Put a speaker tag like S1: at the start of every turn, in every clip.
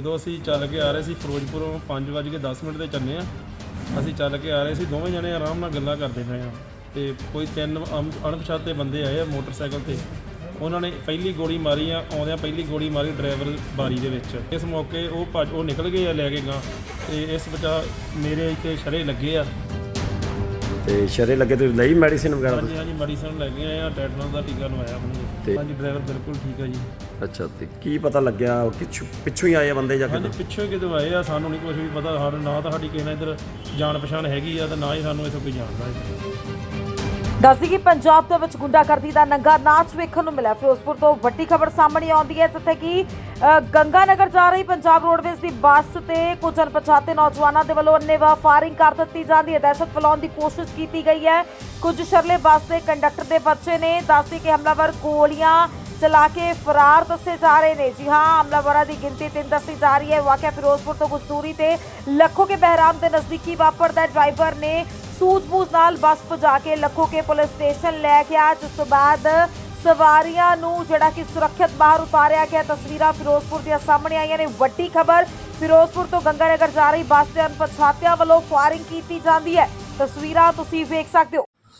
S1: ਜਦੋਂ ਅਸੀਂ ਚੱਲ ਕੇ ਆ ਰਹੇ ਸੀ ਫਿਰੋਜ਼ਪੁਰੋਂ 5:10 ਤੇ ਚੱਲੇ ਆ। ਅਸੀਂ ਚੱਲ ਕੇ ਆ ਰਹੇ ਸੀ, ਦੋਵੇਂ ਜਣੇ ਆਰਾਮ ਨਾਲ ਗੱਲਾਂ ਕਰਦੇ ਪਏ ਆ ਤੇ ਕੋਈ ਤਿੰਨ ਅਣਪਛਾਤੇ ਬੰਦੇ ਆਏ ਆ ਮੋਟਰਸਾਈਕਲ ਤੇ। ਉਹਨਾਂ ਨੇ ਪਹਿਲੀ ਗੋਲੀ ਮਾਰੀ ਆ, ਆਉਂਦਿਆਂ ਪਹਿਲੀ ਗੋਲੀ ਮਾਰੀ ਡਰਾਈਵਰ ਬਾਰੀ ਦੇ ਵਿੱਚ। ਇਸ ਮੌਕੇ ਉਹ ਨਿਕਲ ਗਏ ਆ ਲੈ ਕੇ ਗਾਂ ਤੇ ਇਸ ਬਚਾ ਮੇਰੇ ਇੱਥੇ ਸ਼ਰੇ ਲੱਗੇ ਆ
S2: ਤੇ ਸ਼ਰੇ ਲੱਗੇ ਤੇ ਲਈ ਮੈਡੀਸਿਨ ਵਗੈਰਾ?
S1: ਹਾਂਜੀ ਮੈਡੀਸਨ ਲੈ ਕੇ ਆਏ ਆ, ਟੈਟਨਸ ਦਾ ਟੀਕਾ ਲਵਾਇਆ ਆਪਣੇ। ਹਾਂਜੀ ਡਰਾਈਵਰ ਬਿਲਕੁਲ ਠੀਕ ਆ ਜੀ।
S2: ਅੱਛਾ, ਤੇ ਕੀ ਪਤਾ ਲੱਗਿਆ ਪਿੱਛੋਂ ਹੀ ਆਏ ਆ ਬੰਦੇ ਜਾਂ
S1: ਹਾਂਜੀ ਪਿੱਛੋਂ ਕਿਦੋਂ ਆਏ ਆ, ਸਾਨੂੰ ਨਹੀਂ ਕੁਝ ਵੀ ਪਤਾ। ਸਾਨੂੰ ਨਾ ਤਾਂ ਸਾਡੀ ਕਿਸੇ ਨਾਲ ਇੱਧਰ ਜਾਣ ਪਛਾਣ ਹੈਗੀ ਆ ਤੇ ਨਾ ਹੀ ਸਾਨੂੰ ਇੱਥੋਂ ਕੋਈ ਜਾਣਦਾ ਹੈ।
S3: ਦੱਸਦੀ ਕਿ ਪੰਜਾਬ ਦੇ ਵਿੱਚ ਗੁੰਡਾਗਰਦੀ ਦਾ ਨੰਗਾ ਨਾਚ ਵੇਖਣ ਨੂੰ ਮਿਲਿਆ। ਫਿਰੋਜ਼ਪੁਰ ਤੋਂ ਵੱਡੀ ਖਬਰ ਸਾਹਮਣੇ ਆਉਂਦੀ ਹੈ ਜਿੱਥੇ ਕਿ ਗੰਗਾਨਗਰ ਜਾ ਰਹੀ ਪੰਜਾਬ ਰੋਡਵੇਜ਼ ਦੀ ਬੱਸ ਤੇ ਕੁਝ ਅਣਪਛਾਤੇ ਨੌਜਵਾਨਾਂ ਦੇ ਵੱਲੋਂ ਅੰਨ੍ਹੇਵਾਹ ਫਾਇਰਿੰਗ ਕਰ ਦਿੱਤੀ ਜਾਂਦੀ ਹੈ। ਦਹਿਸ਼ਤ ਫੈਲਾਉਣ ਦੀ ਕੋਸ਼ਿਸ਼ ਕੀਤੀ ਗਈ ਹੈ। ਕੁਝ ਸ਼ਰਲੇ ਬੱਸ ਦੇ ਕੰਡਕਟਰ ਦੇ ਬੱਚੇ ਨੇ। ਦੱਸਦੀ ਕਿ ਹਮਲਾਵਰ ਗੋਲੀਆਂ ਚਲਾ ਕੇ ਫਰਾਰ ਦੱਸੇ ਜਾ ਰਹੇ ਨੇ। ਜੀ ਹਾਂ, ਹਮਲਾਵਰਾਂ ਦੀ ਗਿਣਤੀ 3 ਦੱਸੀ ਜਾ ਰਹੀ ਹੈ। ਵਾਕਿਆ ਫਿਰੋਜ਼ਪੁਰ ਤੋਂ ਕੁਝ ਦੂਰੀ ਤੇ ਲੱਖੋ ਕੇ ਬਹਿਰਾਮ ਦੇ ਨਜ਼ਦੀਕੀ ਵਾਪਰਦਾ। ਡਰਾਈਵਰ ਨੇ ਸੂਝ-ਬੂਝ ਨਾਲ ਬੱਸ ਭਜਾ ਕੇ ਲੱਖੋ ਕੇ ਪੁਲਿਸ ਸਟੇਸ਼ਨ ਲੈ ਗਿਆ, ਜਿਸ ਤੋਂ ਬਾਅਦ ਸਵਾਰੀਆਂ ਨੂੰ ਜਿਹੜਾ ਕਿ ਸੁਰੱਖਿਅਤ ਬਾਹਰ ਉਤਾਰਿਆ ਗਿਆ। ਤਸਵੀਰਾਂ ਫਿਰੋਜ਼ਪੁਰ ਦੀਆਂ ਸਾਹਮਣੇ ਆਈਆਂ ਨੇ। ਵੱਡੀ ਖਬਰ, ਫਿਰੋਜ਼ਪੁਰ ਤੋਂ ਗੰਗਾਨਗਰ ਜਾ ਰਹੀ ਬੱਸ ਦੇ ਅਣਪਛਾਤਿਆਂ ਵੱਲੋਂ ਫਾਇਰਿੰਗ ਕੀਤੀ ਜਾਂਦੀ ਹੈ। ਤਸਵੀਰਾਂ ਤੁਸੀਂ ਵੇਖ ਸਕਦੇ ਹੋ।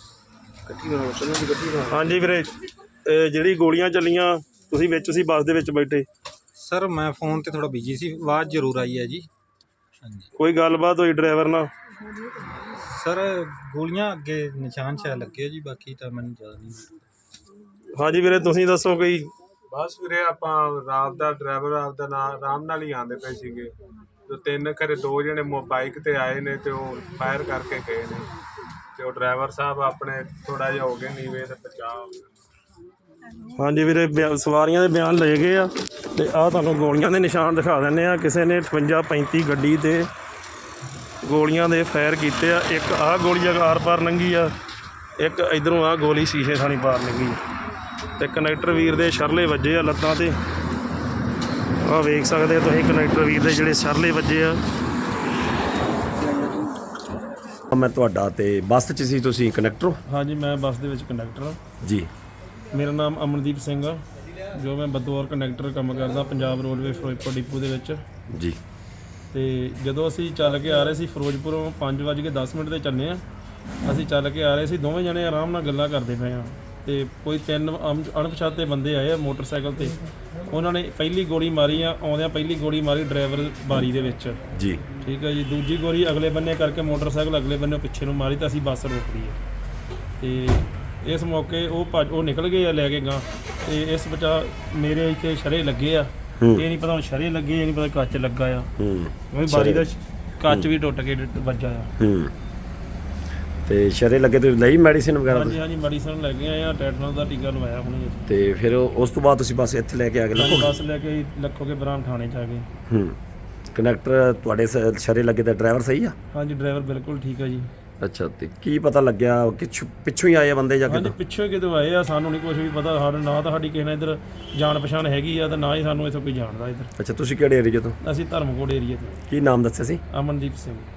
S1: ਹਾਂਜੀ ਵੀਰੇ, ਜਿਹੜੀ ਗੋਲੀਆਂ ਚੱਲੀਆਂ ਤੁਸੀਂ ਵਿੱਚ ਸੀ ਬੱਸ ਦੇ ਵਿੱਚ ਬੈਠੇ?
S4: ਸਰ ਮੈਂ ਫੋਨ ਤੇ ਥੋੜਾ ਬਿਜੀ ਸੀ, ਆਵਾਜ਼ ਜ਼ਰੂਰ ਆਈ ਹੈ ਜੀ। ਹਾਂਜੀ,
S1: ਕੋਈ ਗੱਲਬਾਤ ਹੋਈ ਡਰਾਈਵਰ ਨਾਲ?
S4: ਸਰ ਗੋਲੀਆਂ ਅੱਗੇ ਨਿਸ਼ਾਨ ਸ਼ਾਇਦ ਲੱਗੇ ਜੀ, ਬਾਕੀ ਤਾਂ ਮੈਨੂੰ ਜ਼ਿਆਦਾ ਨਹੀਂ।
S1: ਹਾਂਜੀ ਵੀਰੇ, ਤੁਸੀਂ ਦੱਸੋ ਕੋਈ?
S5: ਬਸ ਵੀਰੇ ਆਪਾਂ ਰਾਤ ਦਾ ਡਰਾਈਵਰ ਆਪਦਾ ਨਾਂ ਆਰਾਮ ਨਾਲ ਹੀ ਆਉਂਦੇ ਪਏ ਸੀਗੇ ਤੇ ਤਿੰਨ ਘਰੇ ਦੋ ਜਣੇ ਬਾਈਕ ਤੇ ਆਏ ਨੇ ਤੇ ਉਹ ਫਾਇਰ ਕਰਕੇ ਗਏ ਨੇ ਤੇ ਉਹ ਡਰਾਈਵਰ ਸਾਹਿਬ ਆਪਣੇ ਥੋੜਾ ਜਿਹਾ ਹੋ ਗਏ ਨੀਵੇਂ ਤੇ ਬਚਾਅ ਹੋ ਗਿਆ।
S1: ਹਾਂਜੀ ਵੀਰੇ, ਸਵਾਰੀਆਂ ਦੇ ਬਿਆਨ ਲਏ ਗਏ ਆ ਤੇ ਆਹ ਤੁਹਾਨੂੰ ਗੋਲੀਆਂ ਦੇ ਨਿਸ਼ਾਨ ਦਿਖਾ ਦਿੰਦੇ ਆ। ਕਿਸੇ ਨੇ 58-35 ਗੱਡੀ ਤੇ ਗੋਲੀਆਂ ਦੇ ਫਾਇਰ ਕੀਤੇ ਆ। ਇੱਕ ਆਹ ਗੋਲੀ ਆਰ ਪਾਰ ਲੰਘੀ ਆ, ਇੱਕ ਇਧਰੋਂ ਆਹ ਗੋਲੀ ਸ਼ੀਸ਼ੇ ਥਾਣੀ ਪਾਰ ਲੰਘੀ ਤੇ ਕਨੈਕਟਰ ਵੀਰ ਦੇ ਸ਼ਰਲੇ ਵੱਜੇ ਆ ਲੱਤਾਂ ਤੇ। ਆਹ ਵੇਖ ਸਕਦੇ ਤੁਸੀਂ ਕਨੈਕਟਰ ਵੀਰ ਦੇ ਜਿਹੜੇ ਸ਼ਰਲੇ ਵੱਜੇ ਆ।
S2: ਮੈਂ ਤੁਹਾਡਾ ਤੇ ਬੱਸ 'ਚ ਸੀ, ਤੁਸੀਂ ਕੰਡਕਟਰ ਹੋ?
S1: ਹਾਂਜੀ ਮੈਂ ਬੱਸ ਦੇ ਵਿੱਚ ਕੰਡਕਟਰ ਹਾਂ
S2: ਜੀ।
S1: ਮੇਰਾ ਨਾਮ ਅਮਨਦੀਪ ਸਿੰਘ ਆ, ਜੋ ਮੈਂ ਬਤੌਰ ਕੰਡਕਟਰ ਕੰਮ ਕਰਦਾ ਪੰਜਾਬ ਰੋਡਵੇ ਫਿਰੋਜ਼ਪੁਰ ਡਿਪੂ ਦੇ ਵਿੱਚ
S2: ਜੀ।
S1: ਤੇ ਜਦੋਂ ਅਸੀਂ ਚੱਲ ਕੇ ਆ ਰਹੇ ਸੀ ਫਿਰੋਜ਼ਪੁਰੋਂ 5:10 ਤੇ ਚੱਲੇ ਆ। ਅਸੀਂ ਚੱਲ ਕੇ ਆ ਰਹੇ ਸੀ, ਦੋਵੇਂ ਜਣੇ ਆਰਾਮ ਨਾਲ ਗੱਲਾਂ ਕਰਦੇ ਪਏ ਆ ਤੇ ਕੋਈ ਤਿੰਨ ਅਣਪਛਾਤੇ ਬੰਦੇ ਆਏ ਆ ਮੋਟਰਸਾਈਕਲ ਤੇ। ਉਹਨਾਂ ਨੇ ਪਹਿਲੀ ਗੋਲੀ ਮਾਰੀ ਆ, ਆਉਂਦਿਆਂ ਪਹਿਲੀ ਗੋਲੀ ਮਾਰੀ ਡਰਾਈਵਰ ਬਾਰੀ ਦੇ ਵਿੱਚ।
S2: ਜੀ
S1: ਠੀਕ ਹੈ ਜੀ। ਦੂਜੀ ਗੋਲੀ ਅਗਲੇ ਬੰਨੇ ਕਰਕੇ ਮੋਟਰਸਾਈਕਲ ਅਗਲੇ ਬੰਨੇ ਪਿੱਛੇ ਨੂੰ ਮਾਰੀ ਤਾਂ ਅਸੀਂ ਬੱਸ ਰੋਕ ਲਈ ਤੇ ਇਸ ਮੌਕੇ ਉਹ ਨਿਕਲ ਗਏ ਆ ਲੈ ਕੇ ਗਾਂ ਤੇ ਇਸ ਬਚਾ ਮੇਰੇ ਇੱਥੇ ਸ਼ਰੇ ਲੱਗੇ ਆ। ਇਹ ਨਹੀਂ ਪਤਾ ਹੁਣ ਸ਼ਰੇ ਲੱਗੇ, ਇਹ ਨਹੀਂ ਪਤਾ ਕੱਚ ਲੱਗਾ ਆ। ਬਾਰੀ ਦਾ ਕੱਚ ਵੀ ਟੁੱਟ ਕੇ ਵੱਜਾ ਆ।
S2: ਤੇ ਸ਼ਰੇ ਲੱਗੇ ਤੇ ਲਈ ਮੈਡੀਸਿਨ ਵਗੈਰਾ?
S1: ਹਾਂਜੀ ਮੈਡੀਸਨ ਲੈ ਕੇ ਆਏ ਆ, ਟੈਟਨਸ ਦਾ ਟੀਕਾ ਲਵਾਇਆ ਹੁਣੇ।
S2: ਤੇ ਫਿਰ ਉਸ ਤੋਂ ਬਾਅਦ ਤੁਸੀਂ ਬੱਸ ਇੱਥੇ ਲੈ ਕੇ ਆ ਗਏ?
S1: ਬੱਸ ਲੈ ਕੇ ਲੱਖੋ ਕੇ ਬਰਾਮ ਥਾਣੇ 'ਚ ਆ ਗਏ।
S2: ਕੰਡਕਟਰ ਤੁਹਾਡੇ ਸ਼ਰੇ ਲੱਗੇ ਦਾ ਡਰਾਈਵਰ ਸਹੀ ਆ?
S1: ਹਾਂਜੀ ਡਰਾਈਵਰ ਬਿਲਕੁਲ ਠੀਕ ਆ ਜੀ।
S2: ਅੱਛਾ, ਤੇ ਕੀ ਪਤਾ ਲੱਗਿਆ ਪਿੱਛੋਂ ਹੀ ਆਏ ਆ ਬੰਦੇ ਜਾਂ
S1: ਹਾਂਜੀ ਪਿੱਛੋਂ ਕਿਦੋਂ ਆਏ ਆ, ਸਾਨੂੰ ਨਹੀਂ ਕੁਝ ਵੀ ਪਤਾ। ਸਾਨੂੰ ਨਾ ਤਾਂ ਸਾਡੀ ਕਿਸੇ ਨਾਲ ਇੱਧਰ ਜਾਣ ਪਛਾਣ ਹੈਗੀ ਆ ਤੇ ਨਾ ਹੀ ਸਾਨੂੰ ਇੱਥੋਂ ਕੋਈ ਜਾਣਦਾ ਇੱਧਰ।
S2: ਅੱਛਾ, ਤੁਸੀਂ ਕਿਹੜੇ ਏਰੀਆ ਤੋਂ?
S1: ਅਸੀਂ ਧਰਮਕੋਟ ਏਰੀਆ ਤੋਂ।
S2: ਕੀ ਨਾਮ ਦੱਸਿਆ ਸੀ?
S1: ਅਮਨਦੀਪ ਸਿੰਘ।